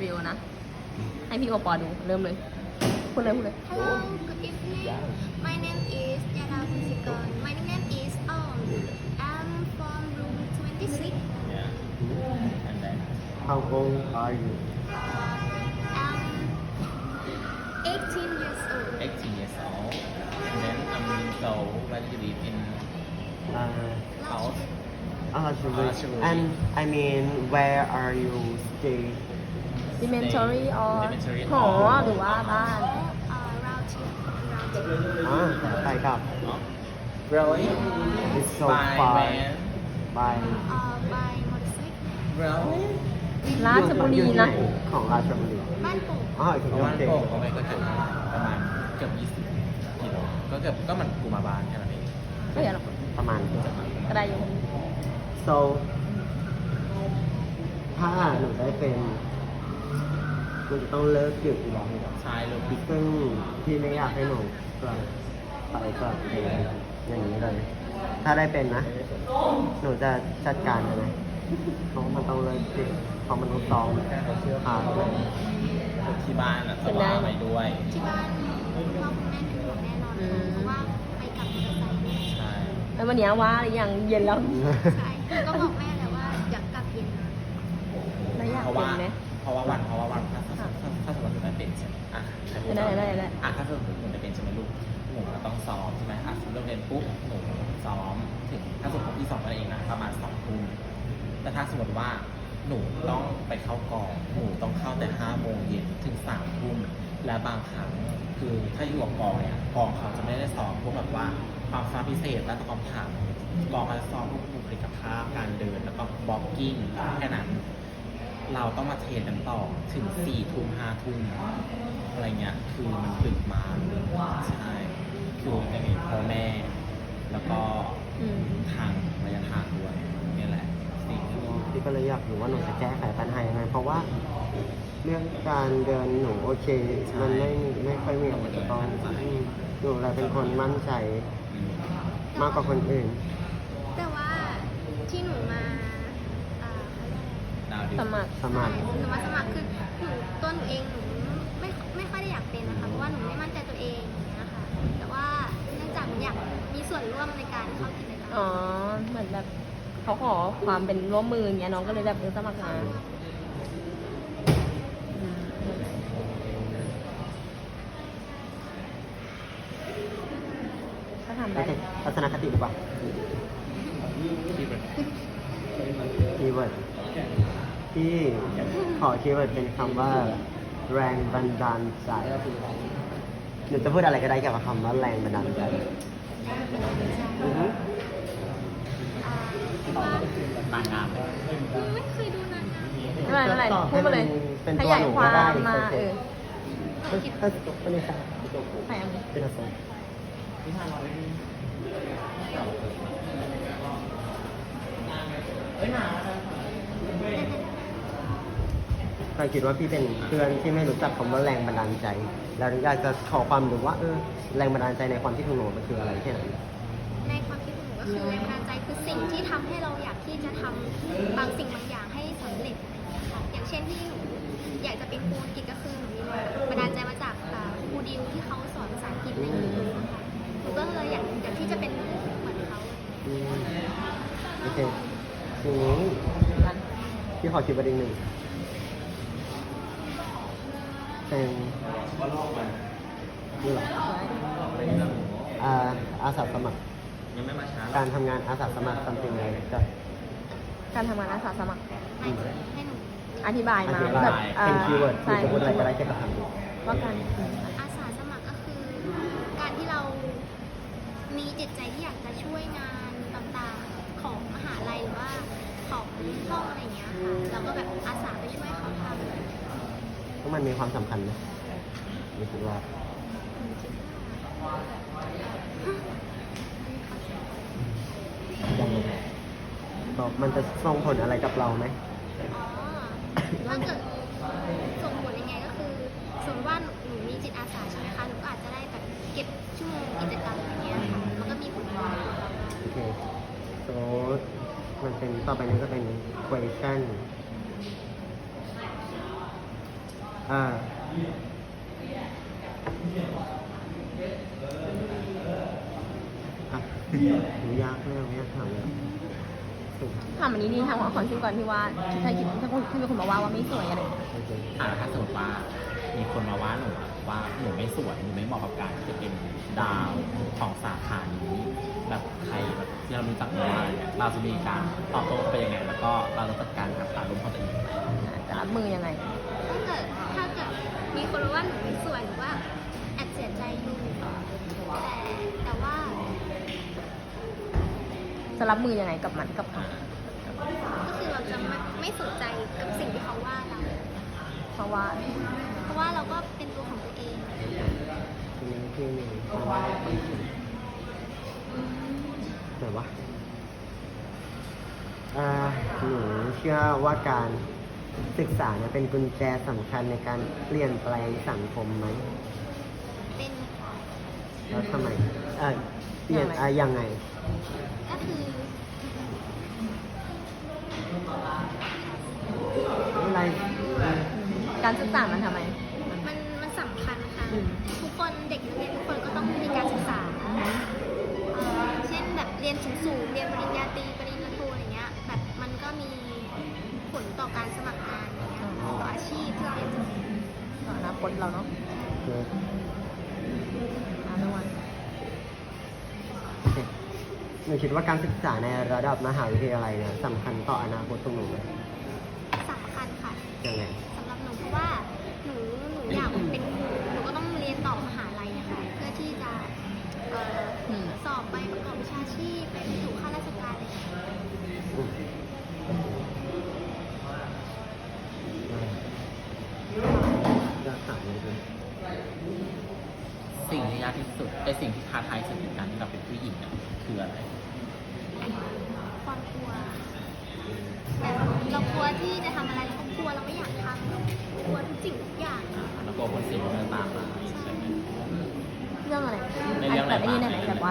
วิดีโอนะ ให้พี่โอปอดูเริ่มเลยพูดเลย Hello, good evening. My name is Yara Pusikon. My name is I'm from room 26. Yeah. And then How old are you? I'm 18 years old. 18 years old. And then so where do you live in house? Alashuri. And I mean, where are you stay? ดิเมนทอรี่ออ Elementary หอหรือว่าบ้าน Around here. Like up. Oh, really? It's so By far. van? By By motorcycle. Really? ราชบุรีนะของราชบุรีบ้านโป่งอ๋อโอเคประโอมาณเคโป่งก็ไม่ก็ถึงประมาณเกือบ20 กิโลก็เกือบก็มันกูมาบานแค่นั้นเองก็อย่าหรอกประมาณก็ได้อยู่ so ถ้าหนูได้เป็นหนูจะต้องเลิกดื่มอีกแล้วชายลงซึ่งพี่ไม่อยากให้หนูกลับไปกับอย่างนี้เลย ถ้าได้เป็นนะ หนูจะจัดการยังไงเพราะมันต้องเลิกดื่มเพราะมันต้องซ้อมหาเลยที่บ้านสบายไปด้วยที่บ้านคุณพ่อคุณแม่เป็นห่วงแน่นอนเพราะว่าไปกับมอเตอร์ไซค์ใช่แล้ววันนี้ว่าหรือยังเย็นแล้วใช่ก็บอกแม่แล้วว่าอยากกลับเย็นนะแล้วอยากเพราะเป็ว่านไหมเพราะว่าวันถ้าสมมติหนูได้เป็นใช่ไหมอ่ะใครพูได้อ่ะถ้าสมมติหนูได้เป็นใช่ไหมลูกหนูต้องซ้อมใช่ไหมอ่ะเลิกเรียนปุ๊บหนูซ้อมถึงถ้าสมมติที่สองนั่นเองนะประมาณ2 ทุ่มแต่ถ้าสมมติว่าหนูต้องไปเข้ากองหนูต้องเข้าแต่5 โมงเย็นถึง3 ทุ่มและบางครั้งคือถ้าอยู่กับกองเนี่ยกองเขาจะไม่ได้สอนพวกแบบว่าความสามารถพิเศษและตอบคำถามกองเขาจะสอนพวกบุคลิกภาพการเดินแล้วก็บล็อกกิ้งแค่นั้น เราต้องมาเทรนกันต่อถึง4 ทุ่ม5 ทุ่มอะไรเงี้ยคือมันดึกมากใช่คือจะมีพ่อแม่ แล้วก็อืมทางระยะทางด้วยนี่แหละสิ่งที่พี่ก็เลยอยากรู้ว่าหนูจะแก้ไขปัญหายังไง เพราะว่าเรื่องการเดินหนูโอเค มันไม่ค่อยมีอะไรจะต้องหนูเลยเป็นคนมั่นใจมากกว่าคนอื่นแต่ว่าที่หนูมาเขาเรียกอะไรดาวดิสมัครสมัครหนูมาสมัครคือหนูตัวหนูเองหนูไม่ค่อยได้อยากเป็นนะคะเพราะว่าหนูไม่มั่นใจตัวเองอย่างเงี้ยค่ะแต่ว่าเนื่องจากหนูอยากมีส่วนร่วมในการเข้ากิจกรรมอ๋อ เหมือนแบบเขาขอความเป็นร่วมมืออย่างเงี้ยน้องก็เลยแบบสมัครมาอืมก็ทำได้ทัศนคติดีกว่าที่เป็นคีย์เวิร์ดที่ขอคีย์เวิร์ดเป็นคำว่าแรงบันดาลใจหนูจะพูดอะไรก็ได้เกี่ยวกับคำว่าแรงบันดาลใจอือฮึนางงามเลยไม่เคยดูนางงามไม่เป็นไรพูดมาเลยเป็นขตัวยายหนูควาก็ได้มมาโอเคเออถ้าเป็นค่ะขยายมาเป็นอะไร ใครคิดว่าพี่เป็นเพื่อนที่ไม่รู้จักคำว่าแรงบันดาลใจ แล้วอยากจะขอความรู้ว่าแรงบันดาลใจในความคิดของหนูมันคืออะไรแค่ไหนในความคิดของหนูก็คือแรงบันดาลใจคือสิ่งที่ทำให้เราอยากที่จะทำบางสิ่งบางอย่างให้สำเร็จค่ะอย่างเช่นที่หนูอยากจะเป็นครูอังกฤษก็คือหนูมีแรงบันดาลใจมาจากครูดิวที่เขาสอนภาษาอังกฤษในยูทูบค่ะหนูก็เลยอยากที่จะเป็นเหมือนเขาอืมโอเคทีนี้พี่ขอคิดประเด็นหนึ่งเป็นนี่เหรออาสาสมัครยังไม่มาช้าการทำงานอาสาสมัครทำเป็นไงก็การทำงานอาสาสมัครให้หนูอธิบายอมาธิบายแบบเป็นคีย์เวิร์ดใช่จะพูดอะไรก็ได้เกี่ยวกับทางนี้ว่าการอาสาสมัครก็คือการที่เรามีจิตใจที่อยากจะช่วยงานต่างๆของมหาลัยหรือว่าของห้องอะไรอย่างเงี้ยค่ะแล้วก็แบบอาสาไปช่วยเขาทำเพราะมันมีความสำคัญนะมีคิดว่ายังไงก็มันจะส่งผลอะไรกับเราไหมอ๋อถ้าเกิดส่งผลยังไงก็คือสมมติว่าหนูมีจิตอาสาใช่ไหมคะ หนูก็อาจจะได้แบบเก็บชั่วโมงกิจกรรมอย่างเงี้ยค่ะ มันก็มีผลต่อเราโอเคโซมันเป็นต่อไปนี้ก็เป็น question อ่าอ่ะหนูยากมากไม่ยากถามเลยสุดถามอันนี้ดีทางหัวคอนซิก่อนที่ว่าถ้าคิดถ้ามีคนมาว่าไม่สวยอะไรอย่างเงี้ยโอเคถ้าสมมติว่ามีคนมาว่าหนูว่าหนูไม่สวยหนูไม่เหมาะกับการที่จะเป็นดาวของสาขานี้แบบใครแบบที่เรารู้จักมาอะไรเนี่ยเราจะมีการตอบโต้ไปยังไง แล้วก็เราจะจัดการกับอารมณ์ของตัวเองจะรับมือยังไงถ้าเกิดมีคนรู้ว่าหนูไม่สวยหรือว่าแอบเสียใจอยู่แต่ว่าจะรับมือยังไงกับมันกับเขาก็คือเราจะไม่สนใจกับสิ่งที่เขาว่าเราเพราะว่าเพราะว่าเราก็เป็นตัวของตัวเองทีนี้ที่หนึ่งไหนวะหนูเชื่อว่าการศึกษาเนี่ยเป็นกุญแจสำคัญในการเปลี่ยนแปลงสังคมไหมเป็นค่ะแล้วทำไมเปลี่ยนยังไงก็คืออะไรการศึกษามันทำไมมันสำคัญค่ะอืมทุกคนเด็กนักเรียนทุกคนก็ต้องมีการศึกษาเช่นแบบเรียนสูงๆเรียนปริญญาตรีปริญญาโทอะไรเงี้ยแบบมันก็มีผลต่อการสมัครงานอย่างเงี้ยต่ออาชีพที่เราเรียนจบต่ออนาคตเราเนาะโอเคทุกวันโอเคหนูคิดว่าการศึกษาในระดับมหาวิทยาลัยเนี่ยสำคัญต่ออนาคตของหนูไหมสำคัญค่ะยังไงสำหรับหนูเพราะว่าหนูอยากเป็นครูหนูก็ต้องเรียนต่อมหาลัยนะคะเพื่อที่จะสอบไปประกอบวิชาชีพไปสู่ข้าราชการอะไรอย่างเงี้ยจะถามเลยดิสิ่งที่ยากที่สุดไอสิ่งที่ท้าทายที่สุดในการที่เราเป็นผู้หญิงเนี่ยคืออะไรความกลัวแบบเรากลัวที่จะทำอะไรเราก็กลัวเราไม่อยากทำเรากลัวทุกสิ่งทุกอย่างแล้วก็คนสิ่งที่มันตามมาใช่ไหมเรื่องอะไรในเรื่องอะไรแบบนี้ไหนแบบว่า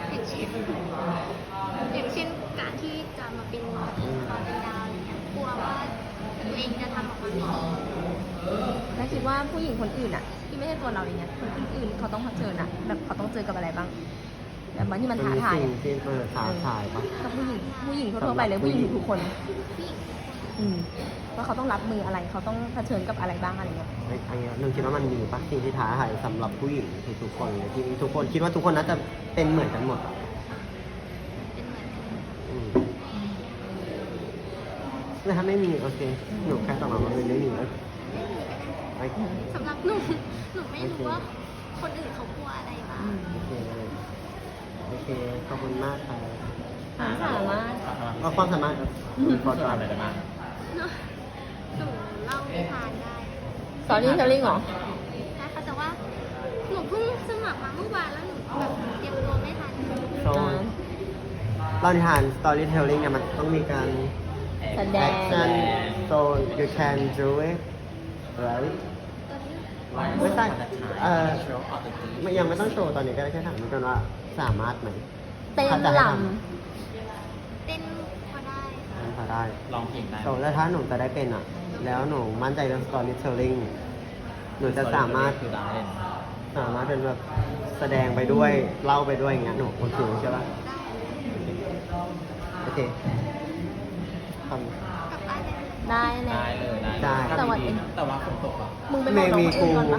อย่างเช่นการที่จะมาเป็นเป็นดาวอะไรเงี้ยกลัวว่าตัวเองจะทำออกมาไม่ดีแล้วคิดว่าผู้หญิงคนอื่นอ่ะ ที่ไม่ใช่ตัวเราอย่างเงี้ยคนอื่นๆเขาต้องเผชิญอ่ะแบบเขาต้องเจอกับอะไรบ้างแบบบางที่มันท้าทายสิ่อะงที่ท้าทายปะกับผู้หญิงทั่วๆไปเลยผู้หญิงทุกๆคนผู้หญิงว่าเขาต้องรับมืออะไรเขาต้องเผชิญกับอะไรบ้างอะไรเงี้ยไอ้หนูคิดว่ามันมีปะสิ่งที่ท้าทายสำหรับผู้หญิงทุกๆคนเลยที่ทุกคนคิดว่าทุกคนน่าจะเป็นเหมือนกันหมดอะเป็นเหมือนกันอืมแล้วถ้าไม่มีโอเคหนูแค่ตอบมาว่ามันไม่มีแล้วโอเคสำหรับหนูไม่รู้ว่าคนอื่นเขากลัวอะไรบ้างโอเคโอเคขอบคุณมากค่ะสามารถก็ความสามารถครับขอจะตอบทำอะไรได้บ้างหนูเล่านิทานได้สอนนี่เทลลิ่งเหรอนะคะแต่ว่าหนูเพิ่งสมัครมาเมื่อวานแล้วหนูแบบเตรียมตัวไม่ทันโซนเล่านิทาน storytelling เนี่ยมันต้องมีการแสดง action so you can do it right ไม่ใช่ยังไม่ต้องโชว์ตอนนี้ก็ได้แค่ถามกันว่าสามารถไหมเต้นถ้าจะให้ลทเต้นก็ได้ำทำได้ลองเพลงได้โชว์แล้วถ้าหนูจะได้เป็นอ่ะ แล้วหนูมั่นใจเรื่อง storytelling หนูจะสามารถคือดาวเล่นเป็นแบบแสดงไปด้วยเล่าไปด้วยอย่างเงี้ยหนูโอเคใช่ปะได้โอเคทกลับบ้านได้ำได้แน่ได้เลยได้แต่ว่าแต่ว่าฝนตกอ่ะมึงไปบอกน้องคนอื่นก่อนปะ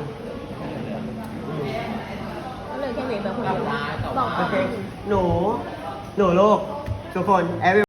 ำก็เลยแค่เวทแบบคนเดียวบอกโอว่าเค หนูลูกทุกคน every